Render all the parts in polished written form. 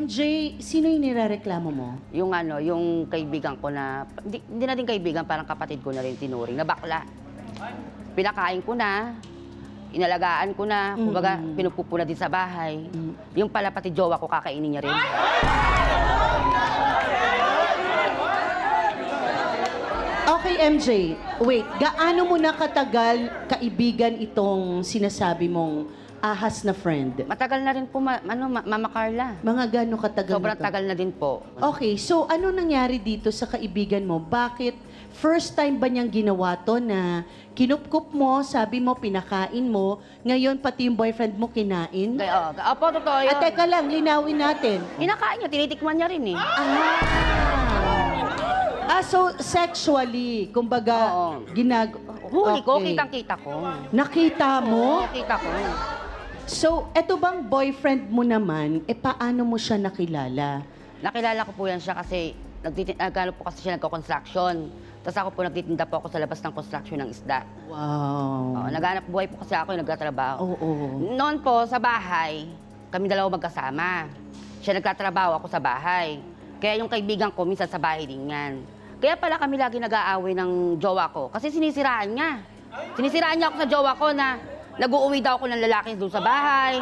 MJ, sino yung nirereklamo mo? Yung ano, yung kaibigan ko na, hindi na din kaibigan, parang kapatid ko na rin tinuring, na bakla. Pinakain ko na, inalagaan ko na, kumbaga pinupupuna din sa bahay. Yung pala pati jowa ko, kakainin niya rin. Okay, MJ, wait. Gaano mo na katagal kaibigan itong sinasabi mong ahas na friend? Matagal na rin po, Mama Carla. Mga gaano katagal Sobrang na to? tagal na din po. Okay, so ano nangyari dito sa kaibigan mo? Bakit first time ba niyang ginawa to na kinupkup mo, sabi mo, pinakain mo, ngayon pati yung boyfriend mo kinain? Opo, totoo yun. At teka lang, linawin natin. Kinakain niya, tinitikman niya rin eh. So sexually, kumbaga, Oo. Huli ko, Okay. kitang-kita ko. Nakita mo? Kita ko. So, eto bang boyfriend mo naman, paano mo siya nakilala? Nakilala ko po yan siya kasi nagkano po kasi siya nagko-construction. Tapos ako po nagtitinda po ako sa labas ng construction ng isda. Wow. Naghanap buhay po kasi ako yung nagtatrabaho. Oo. Noon po sa bahay, kami dalawa magkasama. Siya nagtatrabaho, ako sa bahay. Kaya yung kaibigan ko minsan sa bahay din yan. Kaya pala kami lagi nag-aaway ng jowa ko kasi sinisiraan niya. Sinisiraan niya ako sa jowa ko na nag-uuwi daw ako ng lalaki doon sa bahay.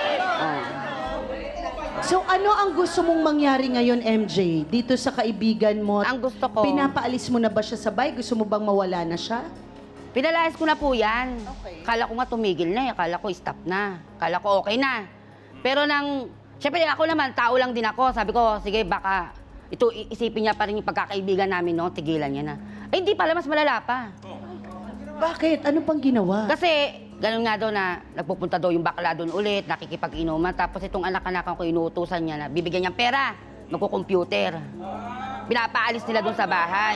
So, ano ang gusto mong mangyari ngayon, MJ? Dito sa kaibigan mo? Ang gusto ko, Pinapaalis mo na ba siya sa bahay? Gusto mo bang mawala na siya? pinalayas ko na po yan. Okay. Kala ko nga tumigil na eh. Kala ko stop na. Kala ko okay na. Pero siyempre ako naman, tao lang din ako. Sabi ko, sige baka isipin niya pa rin yung pagkakaibigan namin, no? Tigilan niya na. Ay, hindi pala, mas malala pa. Bakit? Ano pang ginawa? Kasi, ganun nga daw na nagpupunta daw yung bakla doon ulit, nakikipag-inuman. Tapos itong anak-anakan ko, inuutusan niya na bibigyan niyang pera, magkukomputer. Pinapaalis nila doon sa bahay.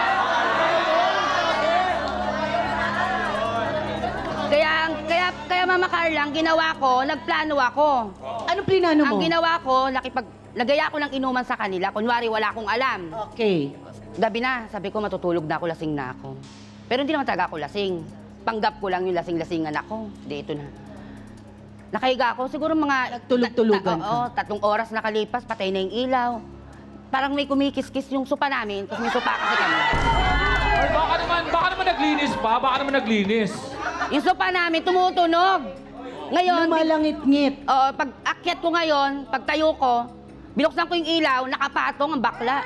Kaya Mama Carla, ang ginawa ko, nagplano ako. Anong plinano mo? Ang ginawa ko, nagaya ko ng inuman sa kanila. Kunwari, wala akong alam. Okay. Gabi na, sabi ko, matutulog na ako, lasing na ako. Pero hindi naman talaga ako lasing. Panggap ko lang yung lasing-lasingan ako. Dito na. Nakahiga ako, siguro mga... Nagtulog-tulugan ka. Oo, 3 oras nakalipas, patay na yung ilaw. Parang may kumikis-kis yung sopa namin, kasi may sopa kasi kami. Ay, baka naman naglinis pa, baka naman naglinis. Yung sopa namin, tumutunog. Ngayon, Lumalangit-ngit. oo, pag akyat ko ngayon, pag tayo ko, binuksan ko yung ilaw, nakapatong ang bakla.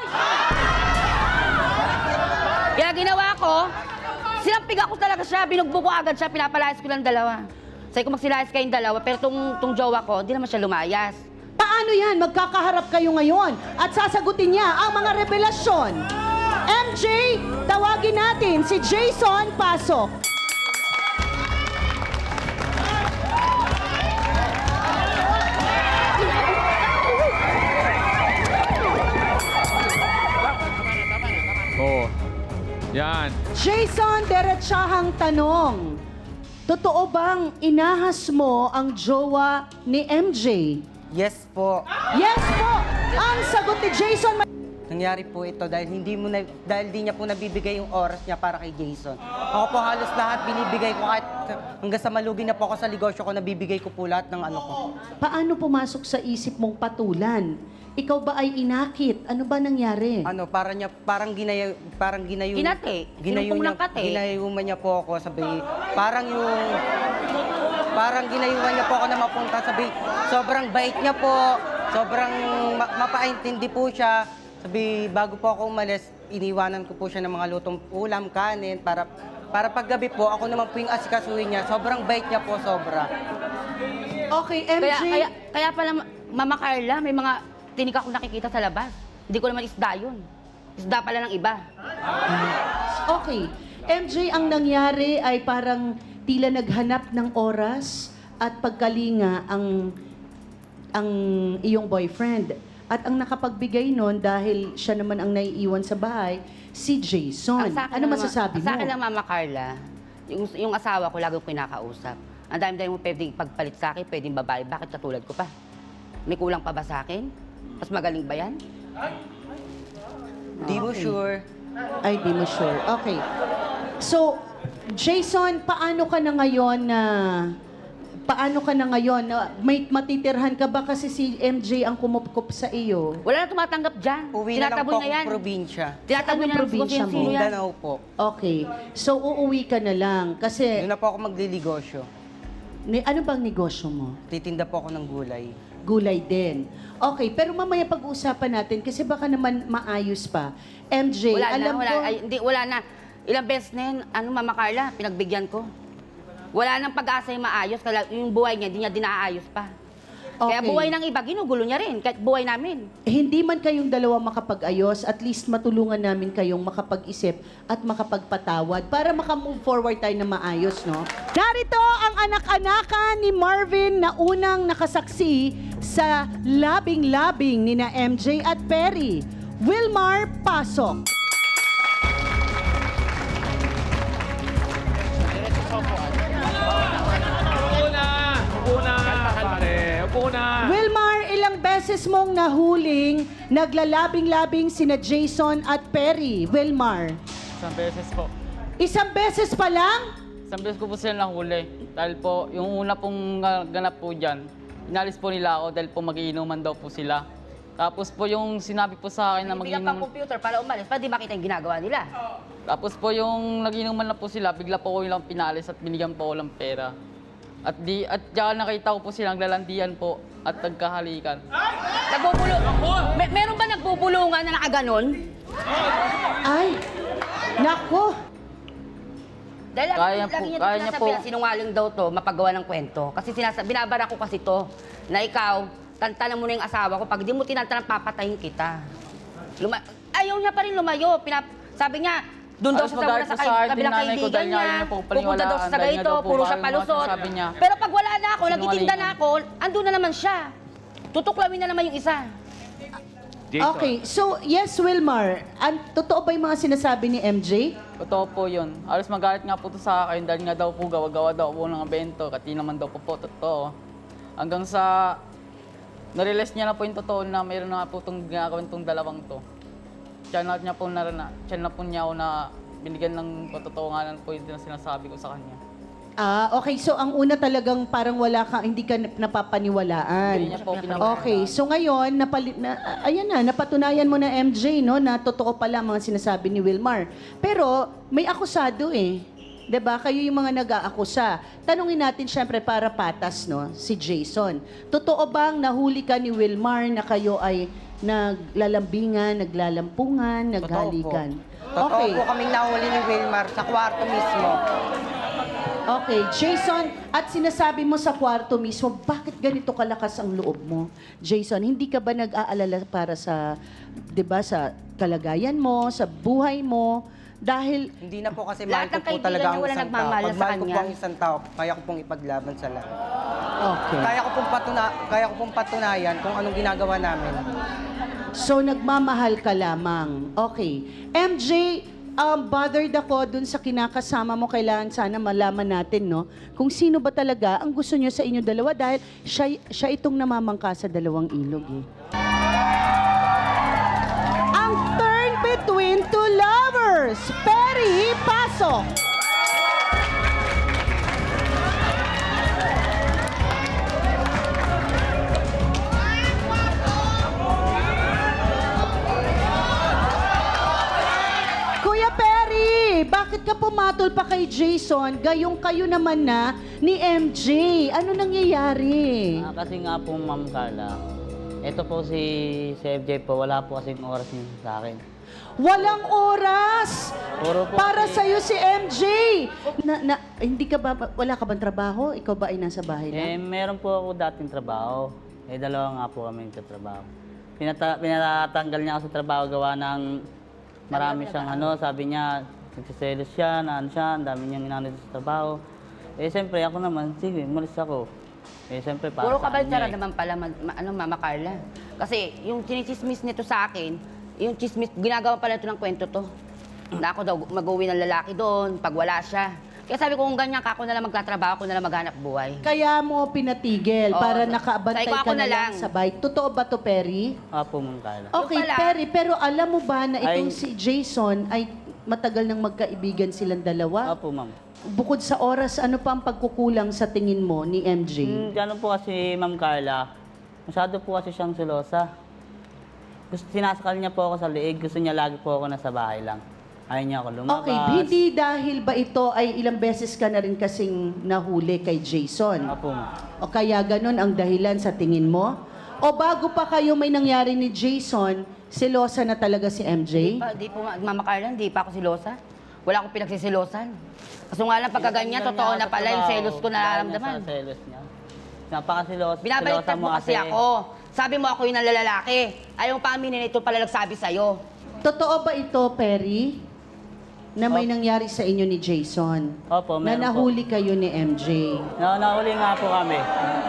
Kaya ginawa ko, sinampig ako talaga siya, binugbog ko agad siya, pinapalayas ko lang dalawa. Sabi ko magsilayas kayong dalawa, pero tong jowa ko, hindi naman siya lumayas. Paano yan? Magkakaharap kayo ngayon at sasagutin niya ang mga revelasyon. MJ, tawagin natin si Jason Pasok. Oo. Yan. Jason, derechahang tanong. Totoo bang inahas mo ang jowa ni MJ? Yes po. Yes po! Ang sagot ni Jason. Nangyari po ito dahil dahil di niya po nabibigay yung oras niya para kay Jason. Ako po halos lahat binibigay ko kahit hanggang sa malugi na po ako sa negosyo ko, nabibigay ko po lahat ng ano ko. Paano pumasok sa isip mong patulan? Ikaw ba ay inakit? Ano ba nangyari? Ano, parang ginayo. Kinate. Sinupong ng kate. Ginayuman niya po ako, sabi, parang ginayuman niya po ako na mapunta, sabi, sobrang bait niya po, sobrang mapaintindi po siya. Sabi, bago po ako umalis, iniwanan ko po siya ng mga lutong ulam, kanin, para paggabi po, ako naman po yung asikasuhin niya. Sobrang bait niya po, sobra. Okay, MJ. Kaya pala, Mama Carla, may mga tinik ako nakikita sa labas. Hindi ko naman isda yun. Isda pala ng iba. Okay. MJ, ang nangyari ay parang tila naghanap ng oras at pagkalinga ang iyong boyfriend. At ang nakapagbigay nun, dahil siya naman ang naiiwan sa bahay, si Jason. Ano masasabi mo? Sa akin lang, Mama Carla, yung asawa ko lagi ko kinakausap. Ang dami-dami mo pwedeng pagpalit sa akin, pwedeng babae. Bakit katulad ko pa? May kulang pa ba sa akin? Mas magaling ba yan? Di mo sure. Ay, di mo sure. Okay. So, Jason, paano ka na ngayon na paano ka na ngayon? May matitirhan ka ba kasi si MJ ang kumupkup sa iyo? Wala na tumatanggap dyan. Uwi na lang Tinataboy po na yan. akong probinsya. Tinataboy Saan na ang lang probinsya kung mo? sino yan. Mindanao po. Okay. So, uuwi ka na lang. Kasi, Doon na po ako magliligosyo. ano bang negosyo mo? Titinda po ako ng gulay. Gulay din. Okay, pero mamaya pag-uusapan natin kasi baka naman maayos pa. MJ, Wala na, alam wala. ko... Ay, hindi, wala na. Ilang beses na yun, Mama Carla, pinagbigyan ko. Wala nang pag-asa yung maayos, kaya yung buhay niya, hindi niya dinaayos pa. Kaya Okay. buhay ng iba, ginugulo niya rin, kahit buhay namin. Hindi man kayong dalawa makapag-ayos, at least matulungan namin kayong makapag-isip at makapagpatawad para makamove forward tayo na maayos, no? Narito ang anak-anakan ni Marvin na unang nakasaksi sa labing-labing ni na MJ at Perry. Wilmar, pasok. Upo na! Upo na! Pare, upo na! Wilmar, ilang beses mong nahuling naglalabing-labing sina Jason at Perry? Wilmar, Isang beses po. isang beses pa lang? Isang beses ko po sila nahuli. Dahil po, yung una pong ganap po dyan, inalis po nila ako dahil po magiinuman daw po sila. Tapos po yung sinabi po sa akin na Bigyan pa magiinuman. computer para umalis, para di makita yung ginagawa nila. Tapos po yung nagiinuman na po sila, bigla po ko nilang pinalis at binigyan po ko ng pera. At diyan nakita ko po silang lalandian po at nagkahalikan. Nagbubulong. Meron ba nagbubulungan na nakaganon? Ay, nako. Dahil Kaya lagi po, niya kaya niya sinasabi po. na sinungaling daw to, mapagawa ng kwento. Kasi binabara ko kasi to, na ikaw, tantanan mo na yung asawa ko, pag di mo tinantanan, papatayin kita. Ayaw niya pa rin lumayo. Sabi niya, doon daw Alas siya sa magalit muna sa po sa akin, kabilang dinanay ko kaibigan dahil nga niya. ayaw niya pong Pupunta daw siya sa paniwalaan, dahil nga ganito, daw po puro siya ayaw mga palusot. sinasabi niya. Pero pag wala na ako, Sinungaling nagtitinda na niya. ako, andun na naman siya. Tutuklawin na naman yung isa. Jason. Okay, so yes, Wilmar, totoo ba yung mga sinasabi ni MJ? Totoo po yun. Alas magalit nga po to sa akin dahil nga daw po gawa-gawa daw po ng evento. Kati naman daw po totoo. Hanggang sa narealize niya na po yung totoo na mayroon na po itong ginagawin itong dalawang to. Tiyan na po niya ako na binigyan ng katotohanan po yung sinasabi ko sa kanya. Okay, so ang una talagang parang wala ka, hindi ka napapaniwalaan. Hindi niya po pinapaniwalaan. Okay, so ngayon, ayan na, napatunayan mo na MJ, no, na totoo pala ang mga sinasabi ni Wilmar. Pero may akusado eh. 'Di ba? Kayo yung mga nag-aakusa. Tanungin natin syempre para patas, no, si Jason. Totoo bang nahuli ka ni Wilmar na kayo ay naglalambingan, naglalampungan, naghalikan? Totoo po kaming nahuli ni Wilmar sa kwarto mismo. Okay, Jason, at sinasabi mo sa kwarto mismo, bakit ganito kalakas ang loob mo? Jason, hindi ka ba nag-aalala para sa, 'di ba, sa kalagayan mo, sa buhay mo? Dahil Hindi na po kasi Lahat mahal ko ng po kaibigan talaga niya ang wala isang tao. nagmamahal Pag sa mahal ko po kanya. ang isang tao, kaya ko pong ipaglaban sa lahat. okay. Kaya ko pong patunayan kung anong ginagawa namin. So nagmamahal ka lamang. Okay. MJ, bothered ako dun sa kinakasama mo. Kailangan sana malaman natin, no? Kung sino ba talaga ang gusto nyo sa inyo dalawa dahil siya itong namamangka sa dalawang ilog, eh. Ang turn between two lovers. Perry, pasok. Kuya Perry, bakit ka pumatol pa kay Jason? Gayong kayo naman na ni MJ. Ano nangyayari? Kasi nga po, Ma'am Carla, ito po si FJ po, wala po kasing oras niya sa akin. Walang oras Puro po para si- sa'yo si MJ. Hindi ka ba, wala ka bang trabaho? Ikaw ba ay nasa bahay lang? Meron po ako dating trabaho. Dalawa nga po kami nagtatrabaho. Pinatanggal niya ako sa trabaho gawa ng marami siyang sabi niya, nagsiselos siya, ang dami niyang inanod sa trabaho. Siyempre ako naman, sige, umalis ako. Siyempre para Puro sa kabaltsara kanya, naman pala, Mama Carla. Kasi yung chinismis nito sa akin, yung chismis, ginagawa pala ito ng kwento to. Na ako daw mag-uwi ng lalaki doon, pag wala siya. Kaya sabi ko, kung ganyan ka, ako na lang magtatrabaho, ako na lang maghanap buhay. Kaya mo pinatigil Oo, para sa- nakaabantay sabi ko, ka ako na na lang lang. sa bahay. Totoo ba to, Perry? Apo, Ma'am Carla. Okay, pala. Perry, pero alam mo ba na itong Ay- si Jason ay matagal nang magkaibigan silang dalawa. Opo, ma'am. Bukod sa oras, ano pa ang pagkukulang sa tingin mo ni MJ? Gano'n po kasi, Ma'am Carla, masyado po kasi siyang selosa. Sinasakal niya po ako sa liig, gusto niya lagi po ako nasa bahay lang. Ayaw niya ako lumabas. Okay, hindi dahil ba ito ay ilang beses ka na rin kasing nahuli kay Jason? Opo, ma'am. O kaya ganun ang dahilan sa tingin mo? O bago pa kayo may nangyari ni Jason, selosa na talaga si MJ? Di po, Mama Carla, hindi pa ako silosa. Wala akong pinagsisilosan. Kaso nga lang, pagkaganyan, totoo na pala yung selos ko nararamdaman. Sa selos niya. Napakasilos. Binabaliktad selosa mo kasi ako. Sabi mo ako yung nalalaki. Ayaw pa aminin ito pala nagsabi sa'yo. Totoo ba ito, Perry? Na may nangyari sa inyo ni Jason? Opo, Na meron po. nahuli kayo ni MJ? Nahuli nga po kami.